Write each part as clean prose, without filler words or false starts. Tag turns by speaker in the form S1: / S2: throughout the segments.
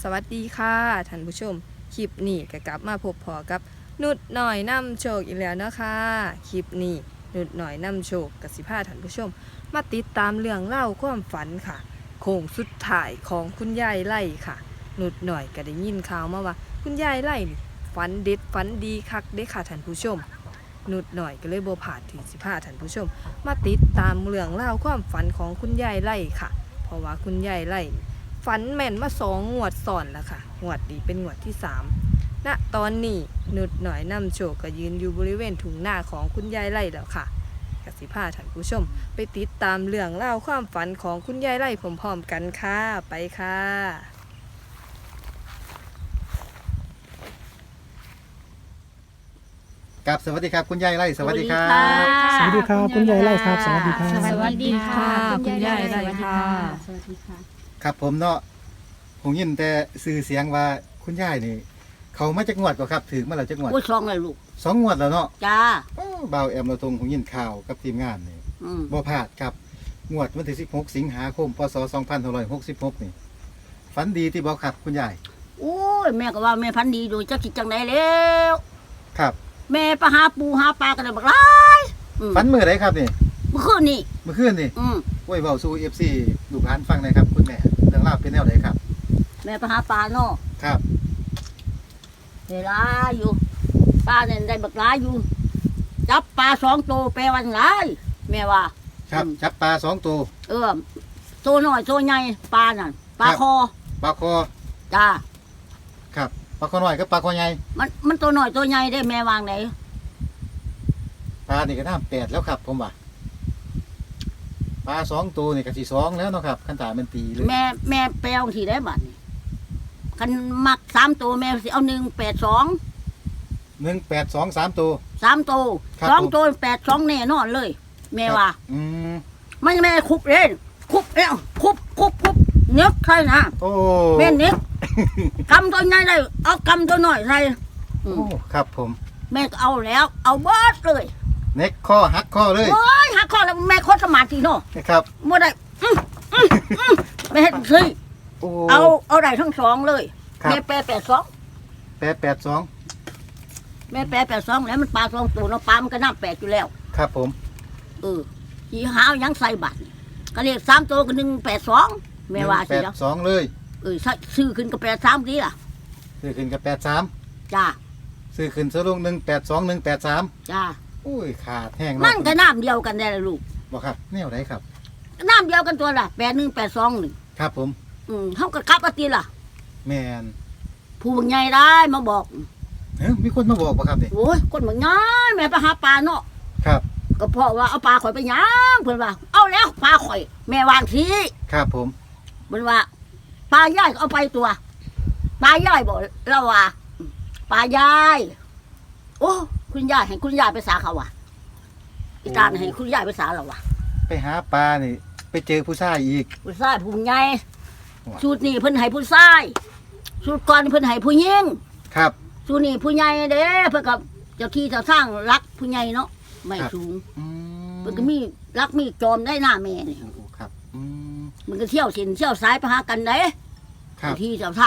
S1: สวัสดีค่ะท่านผู้ชมคลิปนี้ก็กลับมาพบพอกับนุดหน่อยนำโชคอีกแล้วนะคะคลิปนี้นุดหน่อยนำโชคกับสิพาท่านผู้ชมมาติดตามเรื่องเล่าความฝันค่ะโค้งสุดท้ายของคุณยายไล่ค่ะนุดหน่อยก็ได้ยินข่าวมาว่าคุณยายไล่ฝันเด็ดฝันดีคักเด้ค่ะท่านผู้ชมนุดหน่อยก็เลยบ่พลาดที่สิพาท่านผู้ชมมาติดตามเรื่องเล่าความฝันของคุณยายไล่ค่ะเพราะว่าคุณยายไล่ฝันแม่นมา2 งวดซ้อนแล้วค่ะงวดนี้เป็นงวดที่3ณตอนนี้นุดหน่อยนำโชคก็ยืนอยู่บริเวณถุงหน้าของคุณยายไล่แล้วค่ะกสิพาท่านผู้ชมไปติดตามเรื่องเล่าความฝันของคุณยายไล่พร้อมๆกันค่ะไปค่ะ
S2: กับสวัสดีครับคุณยายไร่สวัสดีครับ
S3: สวัสดีครับคุณยายไร่ครับสวัสดีครับ
S1: สวัสดีค่ะคุณยายไร่ค่ะ
S4: สวัสดีค่ะ
S2: ครับผมเนาะผมยินแต่สื่อเสียงว่าคุณยายนี่ เขามาจากงวดก็ครับถือมาแล้วจากงวด
S4: อุ้ยซองเลยลูก
S2: 2 งวดแล้วเนาะ
S4: จ้า
S2: บ่าวแอมเราตรงผมยินข่าวกับทีมงานนี่
S4: อืม
S2: บ่พลาดครับงวดวันที่16 สิงหาคมพศ2566นี่ฝันดีที่บ่ครับคุณยาย
S4: โอ้ยแม่ก็ว่าแม่พันธุ์ดีดูจักสิจังไดแล้ว
S2: ครับ
S4: แม่ไปหาปูหาปลากันเลยบักหลายอืม
S2: ฝันมื้อใดครับนี่
S4: เมื่อคืนนี่
S2: เมื่อคืนนี่
S4: อืม
S2: โอ้ยเว้าสู่ FC ลูกหลานฟังหน่อยครับคุณแม่เรื่องราวเป็นแนวใดครับ
S4: แม่ไปหาปลาเนาะ
S2: ครับ
S4: เวลาอยู่ปลาเนี่ยได้บักหลายอยู่ จับปลา2 ตัวแปลวันหลายแม่ว่า
S2: ครับจับปลา2 ตัว
S4: เออตัวน้อยตัวใหญ่ปลานั่นปลา
S2: ครับ
S4: คอ
S2: ปลาคอ
S4: จ้า
S2: ครับปลาคอน้อยกับปลาคอใหญ่
S4: มันตัวน้อยตัวใหญ่ได้แม่วางไหน
S2: ปลานี่ก็น้ำ8แล้วครับผมว่าปลา2 ตัวนี่ก็สิ2แล้วเนาะครับคันตามันตีเลย
S4: แม่แปลงที่ได้บัดนี่คันมัก3 ตัวแม่สิเอา182
S2: 182 3 ตัว
S4: 3 ตัว
S2: ครับ
S4: 2 ตัว82แน่นอนเลย แม่ว่า
S2: อืม
S4: มันแม่คุบเล่นคุบแล้วคุบเนื้อใครนะ
S2: โอ้
S4: แม่เนื้อ กำตัวใหญ่ได้เอากำตัวน้อยใส่อื
S2: โอ้
S4: ม
S2: ครับผม
S4: แม่ก็เอาแล้ว เอาเบิดเลย
S2: เน็กข้อหักข้อเลย
S4: โอ้ยหักคอแล้วแม่โคตรสมาธิเนาะ
S2: นะครับ
S4: บ่ได้แม่เฮ็ดสิ
S2: โอ้
S4: เอาได้ทั้ง2เลย
S2: ครับ
S4: แม่แปร82
S2: 882
S4: แม่แปร82แล้วมันปลา2 ตัวเนาะปลามันก็น้ำ8อยู่แล้ว
S2: ครับผม
S4: สีหาวยังใส่บัตรก็เรียก3 ตัวก็182แม่ว่าสิเนาะ
S2: 182เลย
S4: ซื้อขึ้นก็83ดีล่ะ
S2: ซื้อขึ้นกับ83
S4: จ้า
S2: ซื้อขึ้นซะลง182 183
S4: จ้า
S2: โอ้ยขาดแห้ง
S4: มันก็น้ำเดียวกันได้ละลูก
S2: บ่ครับแนวไหนครับ
S4: น้ำเดียวกันตัวละ8182นี่
S2: ครับผม
S4: เฮาก็กลับเอาติล่ะ
S2: แม่น
S4: ผู้ใหญ่ได้มาบอก
S2: เฮ้ยมีคนมาบอกบ่ครับนี่
S4: โอ้ยคนบางง่ายแม่ไปหาปลาเนาะ
S2: ครับ
S4: ก็เพราะว่าเอาปลาข่อยไปย่างเพิ่นว่า เอาแล้วปลาข่อย แม่วางที
S2: ครับผม
S4: เพิ่นว่าปลาย่ายก็เอาไปตัวปลาย่ายบอกเราว่าปลาย่ายโอ้คุณย่ายให้คุณย่ายไปสาเขาว่ะอีตาให้คุณย่ายไปสาเราว่ะ
S2: ไปหาปลานี่ ไปเจอผู้ชายอีก
S4: ผู้ชายผู้ใหญ่
S2: ว้า
S4: สูตรนี้เพิ่นให้ผู้ชายสูตรก่อนเพิ่นให้ผู้หญิง
S2: ครับ
S4: สูตรนี้ผู้ใหญ่เด้เพิ่นกับเจ้าที่เจ้าสร้างรักผู้ใหญ่เนาะไม่สูง
S2: อืม
S4: เพิ่นก็มีรักมีจอมได้หน้าแม่นี่
S2: โอ้ครับม
S4: มันก็เที่ยวเส้นเที่ยวสายไปหากันเด้
S2: ครับ
S4: เจ้าที่เจ้าสร้าง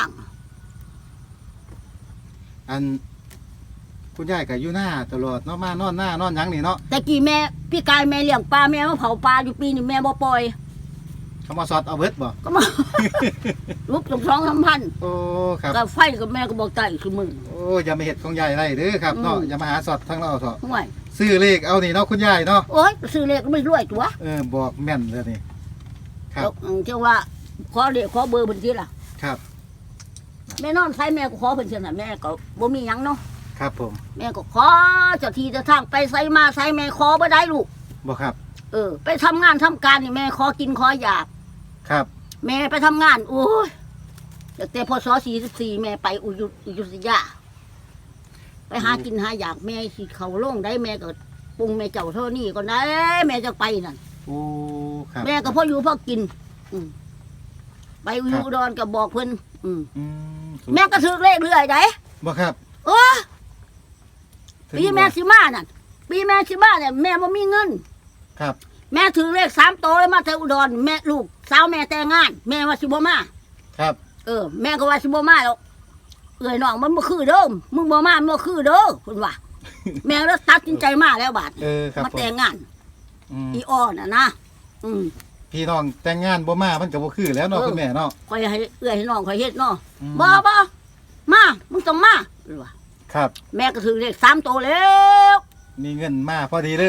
S2: อันคุณยายก็อยู่หน้าตลอดเนาะมานอนหน้านอนหยังนี่เนาะ
S4: แต่กี้แม่พี่กายแม่เลี้ยงปลาแม่มาเผาปลาอยู่ปีนี้แม่บ่ปล่อย
S2: เขามาสอดเอาเบิดบ่
S4: ก็มา ลุกสอง3พัน
S2: โอ้ครับ
S4: ก็ไฟกับแม่ก็บอกไต่คือมึง
S2: โอ้อย่ามาเห็ดของยายไรเด้อครับเนาะ
S4: อืม
S2: อย่ามาหาสอดทั้งเราเถอะ
S4: ห่วย
S2: ซื้อเลขเอานี่เนาะคุณยายเนาะ
S4: โอ้ยซื้อเลขก็ไม่รวยตัว
S2: บอกแม่นเลยนี่ครับ
S4: แล้วเจ้าว่าขอเลขขอเบอร์เพิ่นสิล่ะ
S2: ครับ
S4: แม่นอนใช้แม่ก็ขอเพิ่นเสียน่ะแม่ก็บ่มีหยังเนาะ
S2: ครับผม
S4: แม่ก็ขอเจ้าที่เจ้าทางไปไสมาไสแม่ขอบ่ได้ลูก
S2: บอกครับ
S4: ไปทำงานทำการนี่แม่ขอกินขออยาก
S2: ครับ
S4: แม่ไปทำงานโอ้ยตั้งแต่พศ44แม่ไปอุยุธยาไปหากินหาอยากแม่สิเขาลงได้แม่ก็ปรุงแม่เจ้าเท่านี้ก็ได้แม่จะไปนั่น
S2: โอ้ครับ
S4: แม่ก็พออยู่พอกิน ไปอยู่อุดรก็บอกเพิ่น
S2: อืม
S4: แม่ก็ถือเลขเรื่อยได้
S2: บอกครับ
S4: โอ้
S2: ถึง
S4: ปีแม่สิมานั่นปีแม่สิมาเนี่ยแม่บ่มีเงิน
S2: ครับ
S4: แม่ถือเลข3 โตวเลยมาแต่อุดรแม่ลูกสาวแม่แต่งงาน แม่ว่าสิบ่มา
S2: ครับ
S4: แม่ก็ว่าสิบ่มาแล้วเอ้ยน้องมันบ่คือเด้อมึงบ่มามันบ่คือเด้อเพิ่นว่า แม่แล้วตัดสินใจมาแล้วบาด
S2: ครับ
S4: มา
S2: ผม
S4: แต่งงาน
S2: อืม
S4: อีอ้อน่ะนะอืม
S2: พี่น้องแต่งงานบ่มามันก็บ่คือแล้วเนาะคุณแม่เนาะ
S4: ข่อยให้เอื้อยให้น้องข่อยเฮ็ดเนาะ
S2: อืม
S4: บ่มามึงต้องมาเพิ่นว่า
S2: ครับ
S4: แม่ก็ถือเลข3โตวแล้ว
S2: มีเงินมาพอดีเลย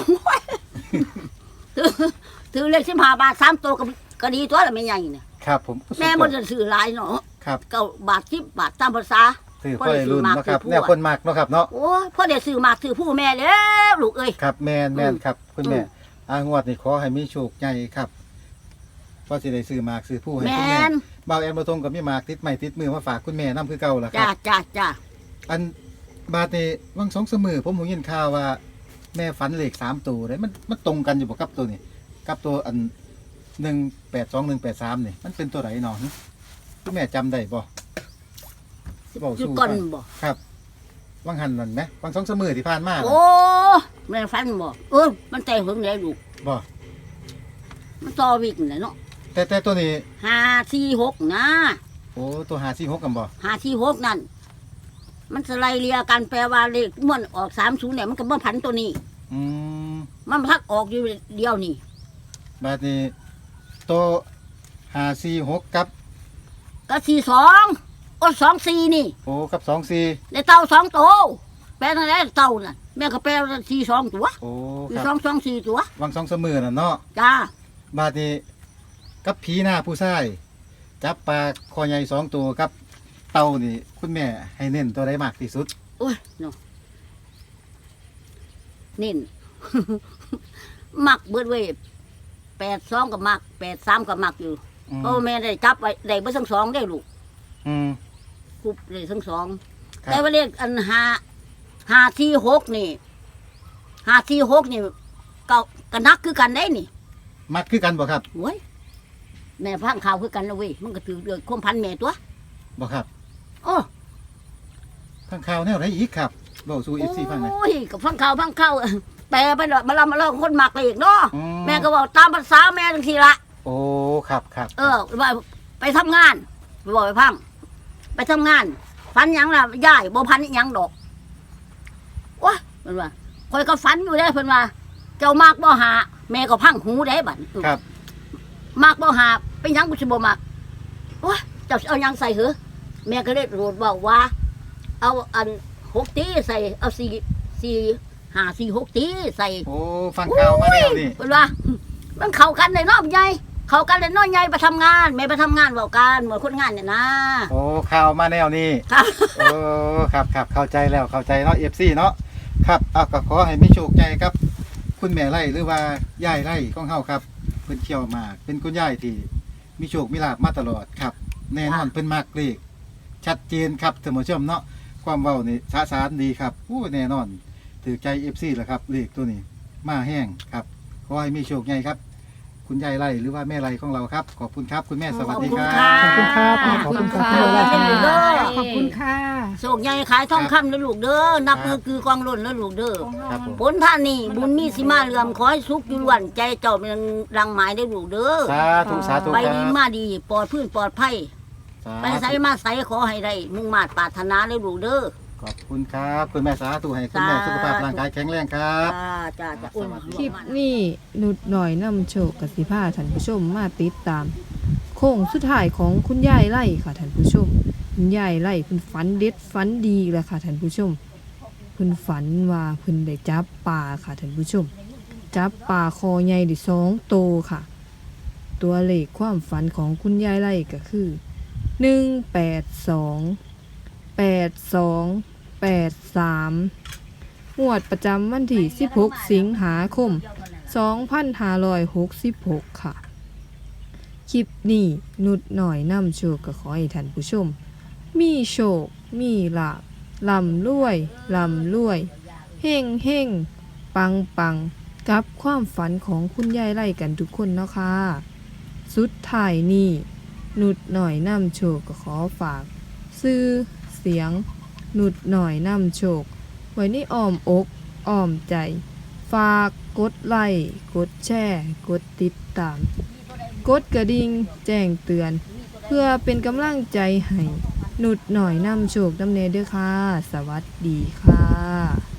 S4: ถือเลข15 บาท3โตวก็ดีตัวละแม่ใหญ่เนี่ย
S2: ครับผม
S4: แม่บ่ได้ซื้อหลายเนาะ
S2: ครับ
S4: 9 บาท10 บาทตามภาษา
S2: ถือค่อยรุ่นเนาะครับแนวคนมักเนาะครับเนาะ
S4: โอ้ยพ่อได้ซื้อมากซื้อผู้แม่แล้วลูกเอ้ย
S2: ครับแม่นครับคุณแม่
S4: อืม
S2: งวดนี้ขอให้มีโชคใหญ่ครับพอสิได้ซื้อหมากซื้อผู้ให้
S4: แม่
S2: คุณแม่
S4: น
S2: บ่าวแอนบ่ทงก็มีหมากติดไม้ติดมือมาฝากคุณแม่นํคือเก่าล่ะค
S4: จ้า
S2: รับ
S4: จ้า
S2: อันบาดนี้วัง2 3มื้อผมหูยินข่าวว่า แม่ฝันเลข3ตัวเลยมันตรงกันอยู่บ่กับตัวนี้กับตัวอัน182183นี่มันเป็นตัวไหนเนาะคุณแม่จำได้บ่สิบอก
S4: อยู่
S2: สู้
S4: ก่อน
S2: ฟัง
S4: บ่
S2: ครับวังหันนั่นไหมวัง2 3มื้อที่ผ่านมาน่ะ
S4: โอ้แม่ฟันบ่มันแต่เพิ่งได้ลูก
S2: บ่
S4: มันต่อวิกน่ะเนาะ
S2: แต่ตัวนี้
S4: 546นะ
S2: โอ้ตัว546กันบ่
S4: 546นั่นมันสไลเลียกันแปลว่าเลขม่วนออก30เนี่ยมันก็บ่พันตัวนี้
S2: อืม
S4: มันพักออกอยู่เดียวนี่
S2: บาดนี้ตัว546กับ
S4: ก็42โอ้24นี่
S2: โอ้กับ24
S4: ได้เต่า2ตัวแปลนั่นแหละเต่าน่ะแม่ก็แปลว่า42ตัว
S2: โอ้ค
S4: สี่
S2: รับ
S4: สอง4ตัว
S2: วัง2 3มื้อน่ะเนาะ
S4: จ้า
S2: บาดนี้กับผีหน้าผู้ชายจับปลาคอใหญ่2ตัวกับเต่านี่ คุณแม่ให้เน้นตัวใดมากที่สุด
S4: โอ้ยเนาะนี่ มักเบิดเว้ย82ก็มัก83ก็มักอยู่
S2: อืม
S4: เพราะว่าแม่ได้จับไว้ได้เบิดทั้งสองได้ลูก
S2: อืม
S4: คุบได้ทั้งสอง
S2: ครับ
S4: แต่ว่าเลขอัน546นี่546นี่ก็นักคือกันได้นี่
S2: มัดคือกันบ่ครับ
S4: โอ้ยแม่พังข่าวคือกันนะเว้ยมันก็ถือเดือดความพันแม่ตัว
S2: บ่ครับ
S4: โอ้
S2: ข้างข่าวแนวไหนอีกครับเว้าสู่ FC ฟังหน่อย
S4: โอ้ยกับฟังข่าวแปลไปเลยมาเล่าคนมักเลขเนาะ
S2: อื
S4: แม่ก็บอกตามภาษาแม่จังทีละ
S2: โอ้ครับครับ
S4: ว่าไปทำงานไปบอกไปพังไปทำงาน ฝันหยังล่ะย่ายบ่พันหยังดอกว้าเพิ่นว่าคอยก็ฝันอยู่ได้เพิ่นว่า เจ้ามากบ่หาแม่ก็พังหูได้บัด
S2: ครับ
S4: มากบ่หาเป็นหยังกูสิบ่มักว้าเจ้าสิเอาหยังใส่เหรอแม่ก็เลยโรดบอกว่า เอาอัน6ตีใส่เอา4 5 4 6ตีใส่
S2: โอ้ฟังข่าวมาแล้วนี่
S4: เพิ่นว่า มันเข้ากันเลยเนาะใหญ่เข้ากันเลยเนาะใหญ่ไปทำงานแม่ไปทำงานเว้ากันเหมือนคนงานเนี่ยนะ
S2: โอ้ข่าวมาแนวนี้
S4: ครับ
S2: โอ้ครับครับเข้าใจแล้วเข้าใจเนาะ FC เนาะครับก็ขอให้มีโชคใหญ่ครับ คุณแม่ไร่หรือว่ายายไร่ของเฮาครับเพิ่นเที่ยวมากเป็นคุณยายที่มีโชคมีลาภมาตลอดครับ แน่นอนเพิ่นมักเลขชัดเจนครับท่านผู้ชมเนาะความเว้านี่สะสารดีครับโอ้แน่นอนถือใจ FC แหละครับเลขตัวนี้มาแห้งครับขอให้มีโชคใหญ่ครับ คุณยายไร่หรือว่าแม่ไร่ของเราครับขอบคุณครับคุณแม่สวัสดีครั
S4: ขอบคุณ
S2: บ
S4: ค่ะ
S3: ขอบคุณครับ
S1: ขอบคุณค่ะ
S3: ขอบคุณครับ
S5: ขอบคุณค่ะ
S4: โชคใหญ่ขายทองคำนะลูกเด้อนับมือคือกองล้นนะลูกเด้อ
S2: ครับผม
S4: ผลท่านนี่บุญมีสิมาเลื่อมขอให้สุขอยู่ล้วนใจเจ้าเป็นรังหมายได้ลูกเด้อ
S2: สาธุสาธุ
S4: ไป
S2: ครั
S4: ดี
S2: บ
S4: มาดีปลอดพื้นปลอดภัย
S2: สา
S4: ไปใส่
S2: ธุ
S4: มาใส่ขอให้ได้มุ่งมาตรปรารถนาได้ลูกเด้อ
S2: ขอบคุณครับ คุณแม่สาธุให้คุณแม่สุขภาพร่างกายแข็งแรงครับ
S4: จ้าอุ้ย
S1: คลิปนี้นุดหน่อยนำโชคกับสิพาท่านผู้ชมมาติดตาม โค้งสุดท้ายของคุณยายไล่ค่ะท่านผู้ชม คุณยายไล่เพิ่นฝันเด็ดฝันดีแหละค่ะท่านผู้ชมเพิ่นฝันว่าเพิ่นได้จับปลาค่ะท่านผู้ชม จับปลาคอใหญ่ได้2 โตวค่ะ ตัวเลขความฝันของคุณยายไล่ก็คือ182 งวดประจำวันที่16 สิงหาคม 2566 ค่ะ คลิปนี้นุดหน่อยนำโชคก็ขอให้ท่านผู้ชม มีโชค มีลาภลำรวยลำรวยเฮ่งเฮ่งปังปังกับความฝันของคุณยายไล่กันทุกคนเนาะค่ะ สุดท้ายนี้นุดหน่อยนำโชคก็ขอฝาก ซื้อเสียง นุดหน่อยนำโชค ไว้ในอ้อมอกอ้อมใจ ฝากกดไลค์กดแชร์กดติดตาม กดกระดิ่งแจ้งเตือนเพื่อเป็นกำลังใจให้นุดหน่อยนำโชคนำเนเด้อค่ะ สวัสดีค่ะ